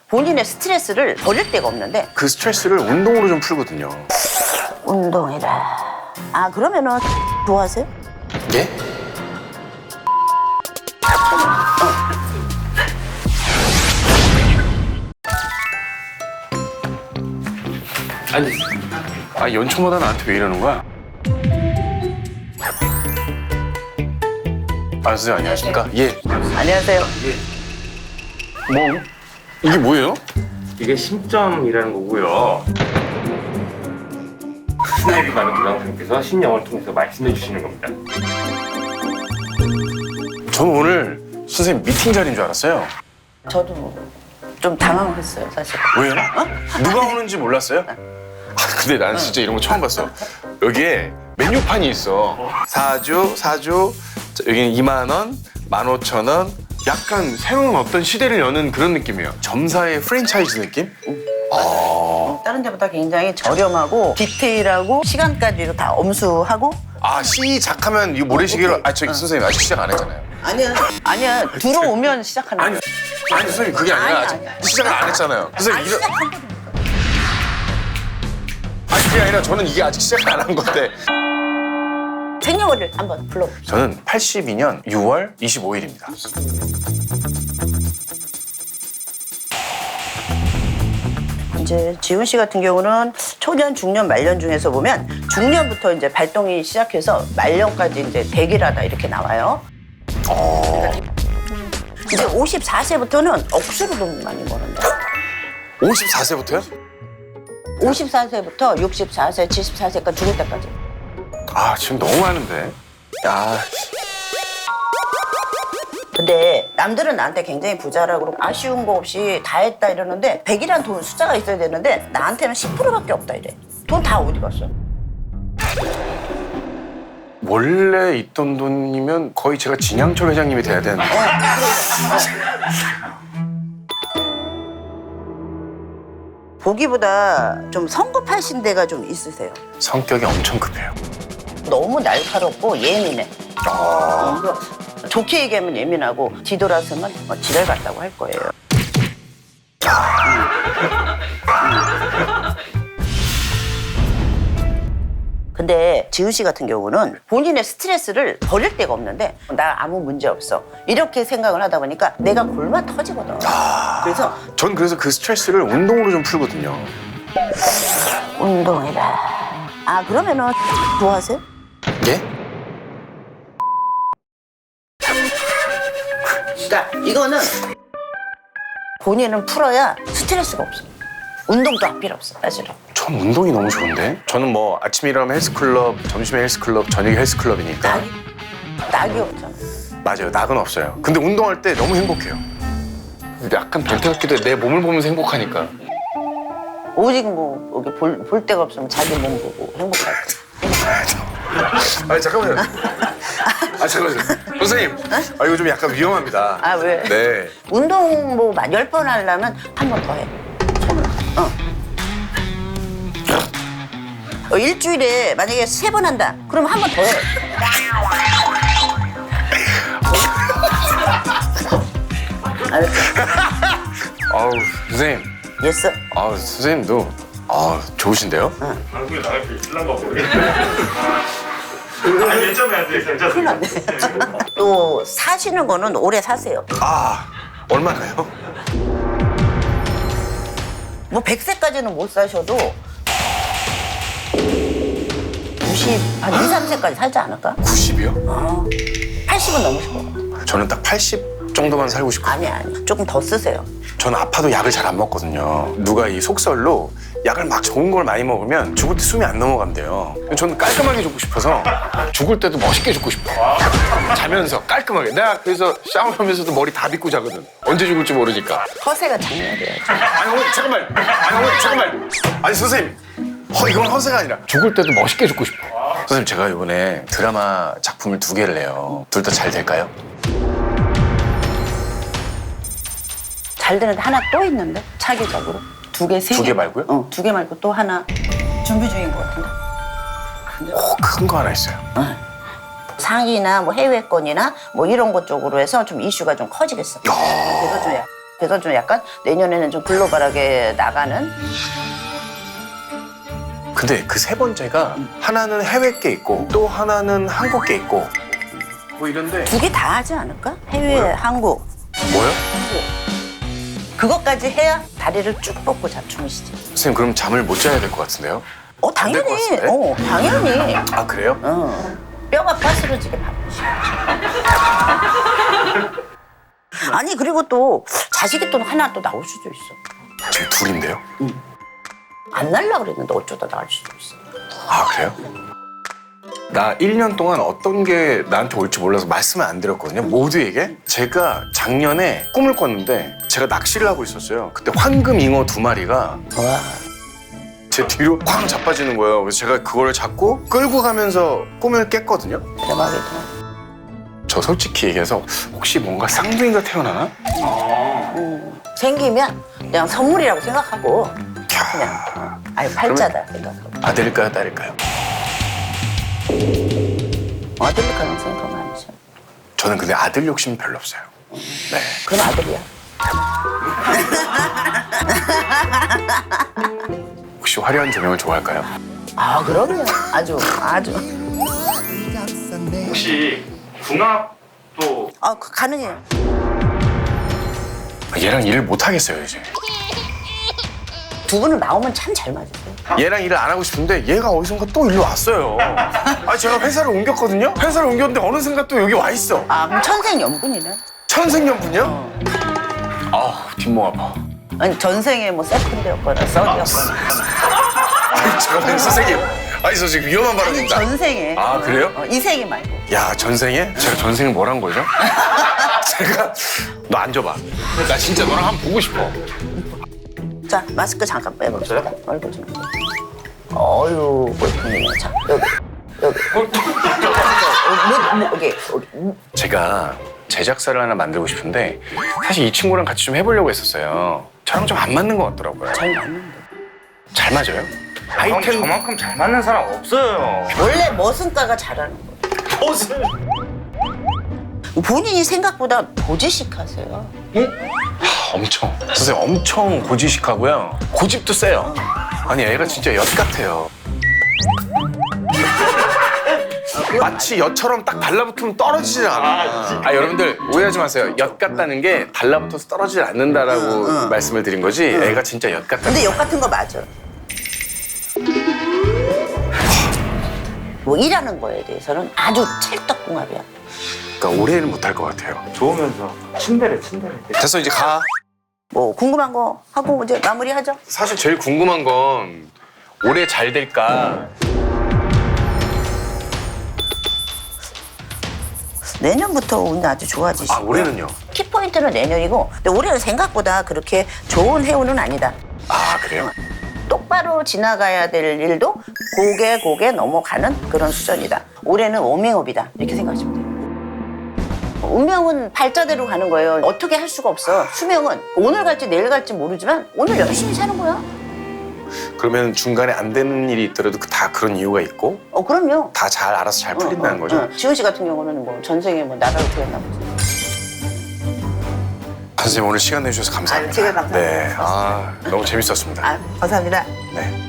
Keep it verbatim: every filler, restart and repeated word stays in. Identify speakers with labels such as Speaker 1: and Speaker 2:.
Speaker 1: 본인의 스트레스를 버릴 데가 없는데
Speaker 2: 그 스트레스를 운동으로 좀 풀거든요.
Speaker 1: 운동이라. 아 그러면은 좋아하세요?
Speaker 2: 예? 아니, 아 연초마다 나한테 왜 이러는 거야? 아, 선생님 안녕하십니까? 예.
Speaker 1: 안녕하세요.
Speaker 2: 뭐 이게 뭐예요?
Speaker 3: 이게 심점이라는 거고요. 스나이비 많은 교장선생님께서 신영을 통해서 말씀해 주시는 겁니다.
Speaker 2: 저는 오늘 선생님 미팅 자리인 줄 알았어요.
Speaker 1: 저도 좀 당황했어요 사실.
Speaker 2: 왜요? 누가 오는지 몰랐어요? 아, 근데 나는 진짜 이런 거 처음 봤어. 여기에 메뉴판이 있어. 사주, 사주, 여기는 이만 원, 만 오천 원. 약간 새로운 어떤 시대를 여는 그런 느낌이에요. 점사의 프랜차이즈 느낌? 아,
Speaker 1: 다른 데보다 굉장히 저렴하고 디테일하고 시간까지도 다 엄수하고.
Speaker 2: 아 시작하면 이 모래시계로. 아, 저기 선생님 아직 시작 안 했잖아요.
Speaker 1: 아니야. 아니야. 들어오면 시작하는
Speaker 2: 아니, 아니 선생님 그게 아니라
Speaker 1: 아니,
Speaker 2: 아직
Speaker 1: 아니, 아니.
Speaker 2: 시작을 안 했잖아요. 선생님
Speaker 1: 아니,
Speaker 2: 이런.
Speaker 1: 시작한 거니까.
Speaker 2: 아니 그게 아니라 저는 이게 아직 시작을 안 한 건데.
Speaker 1: 생년월일 한번 불러봅시다.
Speaker 2: 저는 팔십이 년 유월 이십오일입니다.
Speaker 1: 이제 지훈 씨 같은 경우는 초년, 중년, 말년 중에서 보면 중년부터 이제 발동이 시작해서 말년까지 이제 대기라다 이렇게 나와요.
Speaker 2: 어.
Speaker 1: 이제 오십사 세부터는 억수로 돈 많이 버는데.
Speaker 2: 오십사 세부터요?
Speaker 1: 오십사 세부터 육십사 세, 칠십사 세까지 죽을 때까지.
Speaker 2: 아 지금 너무 많은데. 아,
Speaker 1: 근데 남들은 나한테 굉장히 부자라고 그러고 아쉬운 거 없이 다 했다 이러는데 백이란 돈 숫자가 있어야 되는데 나한테는 십 퍼센트밖에 없다 이래. 돈 다 어디 갔어?
Speaker 2: 원래 있던 돈이면 거의 제가 진양철 회장님이 돼야 되는데.
Speaker 1: 보기보다 좀 성급하신 데가 좀 있으세요.
Speaker 2: 성격이 엄청 급해요.
Speaker 1: 너무 날카롭고 예민해.
Speaker 2: 아,
Speaker 1: 어, 좋게 얘기하면 예민하고 뒤돌아서면 뭐 지랄 같다고 할 거예요. 근데 지훈 씨 같은 경우는 본인의 스트레스를 버릴 데가 없는데 나 아무 문제 없어 이렇게 생각을 하다 보니까 내가 골마 터지거든. 그래서
Speaker 2: 전 그래서 그 스트레스를 운동으로 좀 풀거든요.
Speaker 1: 운동이라. 아 그러면은 좋아하세요?
Speaker 2: 예?
Speaker 1: 그러니까 이거는 본인은 풀어야 스트레스가 없어. 운동도 필요 없어 사실은.
Speaker 2: 전 운동이 너무 좋은데? 저는 뭐 아침에 일어나면 헬스클럽, 점심에 헬스클럽, 저녁에 헬스클럽이니까.
Speaker 1: 낙이 낙이 없잖아.
Speaker 2: 맞아요, 낙은 없어요. 근데 운동할 때 너무 행복해요. 약간 변태 같기도 해. 내 몸을 보면서 행복하니까.
Speaker 1: 오직 뭐 여기 볼, 볼 데가 없으면 자기 몸 보고 행복할 거.
Speaker 2: 아니 잠깐만요. 아 잠깐만요. 선생님, 아 이거 좀 약간 위험합니다.
Speaker 1: 아 왜?
Speaker 2: 네.
Speaker 1: 운동 뭐 열 번 하려면 한 번 더 해. 어. 어, 일주일에 만약에 세 번 한다. 그럼 한 번 더 해. 알았어.
Speaker 2: 아우 선생님,
Speaker 1: 예스.
Speaker 2: 아우 선생님도 아 좋으신데요?
Speaker 3: 방송에 나갈 수 있을란가 모르겠네. 아니 괜찮아요, 괜찮아요.
Speaker 1: 또 사시는 거는 오래 사세요.
Speaker 2: 아 얼마나요?
Speaker 1: 뭐 백 세까지는 못 사셔도 구십, 한 이, 삼 세까지 살지 않을까?
Speaker 2: 구십이요?
Speaker 1: 팔십은 넘으실 것 같아.
Speaker 2: 저는 딱 팔십 정도만 살고 싶거든요.
Speaker 1: 아니 아니 조금 더 쓰세요.
Speaker 2: 저는 아파도 약을 잘 안 먹거든요. 누가 이 속설로 약을 막 좋은 걸 많이 먹으면 죽을 때 숨이 안 넘어간대요. 저는 깔끔하게 죽고 싶어서 죽을 때도 멋있게 죽고 싶어요. 자면서 깔끔하게. 내가 그래서 샤워하면서도 머리 다 빗고 자거든. 언제 죽을지 모르니까.
Speaker 1: 허세가 장난이에요.
Speaker 2: 아니 어머니 잠깐만. 아니 어머니 잠깐만. 아니 선생님. 어, 이건 허세가 아니라 죽을 때도 멋있게 죽고 싶어. 선생님 제가 이번에 드라마 작품을 두 개를 내요. 둘 다 잘 될까요?
Speaker 1: 잘 되는데 하나 또 있는데 차기적으로 두 개, 세 개.
Speaker 2: 두 개 말고요?
Speaker 1: 어, 두 개 말고 또 하나 준비 중인 것 같은데.
Speaker 2: 오, 큰 거 하나 있어요.
Speaker 1: 상이나 뭐 해외권이나 뭐 이런 것 쪽으로 해서 좀 이슈가 좀 커지겠어. 그래서 좀 약- 그래서 좀 약간 내년에는 좀 글로벌하게 나가는.
Speaker 2: 근데 그 세 번째가 하나는 해외 게 있고 또 하나는 한국 게 있고 뭐 이런데
Speaker 1: 두 개 다 하지 않을까? 해외,
Speaker 2: 뭐요?
Speaker 1: 한국.
Speaker 2: 뭐요?
Speaker 1: 그것까지 해야 다리를 쭉 뻗고 잡춤이시지.
Speaker 2: 선생님 그럼 잠을 못 자야 될 것 같은데요?
Speaker 1: 어,
Speaker 2: 안될것
Speaker 1: 당연히.
Speaker 2: 같은데?
Speaker 1: 어, 당연히.
Speaker 2: 아 그래요?
Speaker 1: 어. 뼈가 빠스러지게 바쁘시. 아니, 그리고 또 자식이 또 하나 또 나올 수도 있어.
Speaker 2: 지금 둘인데요?
Speaker 1: 안 날라 그랬는데 어쩌다 나올 수도 있어.
Speaker 2: 아 그래요? 나 일 년 동안 어떤 게 나한테 올지 몰라서 말씀을 안 드렸거든요. 모두에게. 제가 작년에 꿈을 꿨는데 제가 낚시를 하고 있었어요. 그때 황금 잉어 두 마리가
Speaker 1: 와.
Speaker 2: 제 뒤로 쾅 자빠지는 거예요. 그래서 제가 그거를 잡고 끌고 가면서 꿈을 깼거든요.
Speaker 1: 대박이다.
Speaker 2: 저 솔직히 얘기해서 혹시 뭔가 쌍둥이가 태어나나?
Speaker 1: 음, 생기면 그냥 선물이라고 생각하고 그냥 어, 아유 팔자다 생각하고.
Speaker 2: 아들일까요, 딸일까요?
Speaker 1: 아들일 가능성이 더 많죠.
Speaker 2: 저는 근데 아들 욕심 별로 없어요. 네.
Speaker 1: 그건 아들이야.
Speaker 2: 혹시 화려한 조명을 좋아할까요?
Speaker 1: 아 그럼요. 아주 아주.
Speaker 3: 혹시 궁합도
Speaker 1: 아 그- 가능해요.
Speaker 2: 얘랑 일을 못 하겠어요 이제.
Speaker 1: 두 분은 나오면 참 잘 맞으세요.
Speaker 2: 얘랑 일을 안 하고 싶은데 얘가 어디선가 또 일로 왔어요. 아 제가 회사를 옮겼거든요. 회사를 옮겼는데 어느 순간 또 여기 와 있어.
Speaker 1: 아 그럼 천생연분이네.
Speaker 2: 천생연분이요? 아 뒷목 아파.
Speaker 1: 아니 전생에 뭐 세컨드였거나 썩이었거나.
Speaker 2: 아니, 잠깐만요 선생님. 아니 저 지금 위험한
Speaker 1: 아니
Speaker 2: 발언입니다.
Speaker 1: 전생에.
Speaker 2: 아, 그래요?
Speaker 1: 어, 이 생에 말고.
Speaker 2: 야 전생에? 제가 전생에 뭘 한 거죠? 제가 너 앉아봐. 나 진짜 너랑 한번 보고 싶어.
Speaker 1: 자 마스크 잠깐 빼봅시다. 얼굴 좀. 어유 꼴통이네. 자 여기 여기. 어, 뭐, 뭐, 여기 여기.
Speaker 2: 제가 제작사를 하나 만들고 싶은데 사실 이 친구랑 같이 좀 해보려고 했었어요. 저랑 좀 안 맞는 것 같더라고요.
Speaker 1: 잘 맞는데.
Speaker 2: 잘 맞아요?
Speaker 3: 형
Speaker 2: 아이템
Speaker 3: 저만큼 잘 맞는 사람 없어요.
Speaker 1: 원래 머슴가가 잘하는 거예요.
Speaker 3: 무슨?
Speaker 1: 본인이 생각보다 보지식하세요.
Speaker 2: 엄청 선생님 엄청 고지식하고요. 고집도 세요. 아니 애가 진짜 엿 같아요. 마치 엿처럼 딱 달라붙으면 떨어지질 않아. 아 여러분들 오해하지 마세요. 엿 같다는 게 달라붙어서 떨어지질 않는다라고
Speaker 1: 응, 응.
Speaker 2: 말씀을 드린 거지. 애가 진짜 엿 같다.
Speaker 1: 근데 욕 같은 거 맞아. 뭐 일하는 거에 대해서는 아주 찰떡궁합이야.
Speaker 2: 그러니까 올해는 못할 것 같아요.
Speaker 3: 좋으면서 침대래 침대래.
Speaker 2: 됐어 이제 가.
Speaker 1: 뭐 궁금한 거 하고 이제 마무리하죠.
Speaker 2: 사실 제일 궁금한 건 올해 잘 될까.
Speaker 1: 내년부터 운이 아주 좋아지시고.
Speaker 2: 아 올해는요?
Speaker 1: 키포인트는 내년이고, 근데 올해는 생각보다 그렇게 좋은 해운은 아니다.
Speaker 2: 아 그래요?
Speaker 1: 똑바로 지나가야 될 일도 고개 고개 넘어가는 그런 수준이다. 올해는 워밍업이다. 이렇게 생각하시면 돼요. 운명은 발자대로 가는 거예요. 어떻게 할 수가 없어. 수명은 오늘 갈지 내일 갈지 모르지만 오늘 열심히 사는 거야.
Speaker 2: 그러면 중간에 안 되는 일이 있더라도 그- 다 그런 이유가 있고
Speaker 1: 어 그럼요.
Speaker 2: 다 잘 알아서 잘 풀린다는
Speaker 1: 어, 어,
Speaker 2: 거죠?
Speaker 1: 어. 지훈 씨 같은 경우는 뭐 전생에 뭐 나라로 태어나 보지.
Speaker 2: 선생님 오늘 시간 내주셔서 감사합니다.
Speaker 1: 아유, 제가 감사합니다.
Speaker 2: 네, 아 너무 재밌었습니다.
Speaker 1: 아 감사합니다.
Speaker 2: 네.